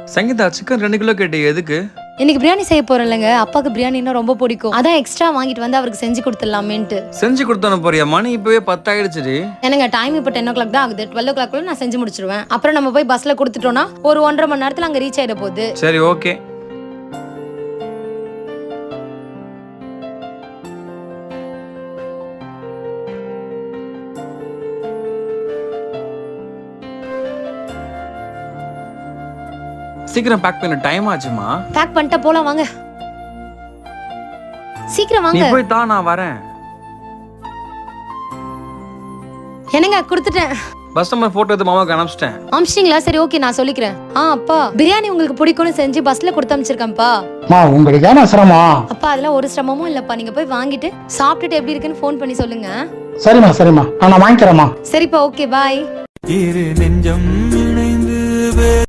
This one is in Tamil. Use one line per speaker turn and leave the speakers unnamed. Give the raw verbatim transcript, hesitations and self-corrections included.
சங்கீதா சிக்கன் ரெண்டு கிலோ கேட்டு எதுக்கு?
இன்னைக்கு பிரியாணி செய்ய போறேன்லங்க, அப்பாவுக்கு பிரியாணின்னா ரொம்ப பிடிக்கும். அதான் எக்ஸ்ட்ரா வாங்கிட்டு வந்து அவருக்கு செஞ்சு கொடுத்துடலாமேன்ட்டு.
செஞ்சு கொடுத்தானு போறியா? மணி இப்பவே பத்து ஆயிடுச்சு.
எனக்கு டைம் இப்போ டென் ஓ கிளாக் தான் ஆகுது. டுவெல் ஓ கிளாக் குள்ள நான் செஞ்சு முடிச்சிருவேன். அப்புறம் நம்ம போய் பஸ்ல கொடுத்துட்டோம்னா ஒரு ஒன்றரை மணி நேரத்துல அங்க ரீச் ஆயிட போகுது.
சரி ஓகே. சீக்கிரம் பேக் பண்ண, டைம் ஆச்சுமா.
பேக் பண்ணிட்டா போலாம் வாங்க. சீக்கிரம்
நீ
வாங்க.
போய் தா, நான் வரேன்.
என்னங்க கொடுத்துட்டேன்.
பஸ் நம்பர் போட்டோ எடுத்து மாமாக்கு அனுப்பிச்சிட்டேன்.
அமிச்சிட்டீங்களா? சரி ஓகே, நான் சொல்லிக்கிறேன். ஆ அப்பா, பிரியாணி உங்களுக்கு பிடிக்கும்னு செஞ்சு பஸ்ல கொடுத்து அனுப்பிச்சிருக்கேன்ப்பா.
மா உங்களுக்கு ஏன்னா சிரமம்?
அப்பா அதெல்லாம் ஒரு சிரமமும் இல்லப்பா. நீங்க போய் வாங்கிட்டு சாப்பிட்டுட்டு எப்படி இருக்குன்னு ஃபோன் பண்ணி சொல்லுங்க.
சரிம்மா சரிம்மா, நான் வாங்கிக்கிறேம்மா.
சரிப்பா, ஓகே பாய்.
இரு நெஞ்சம் இணைந்து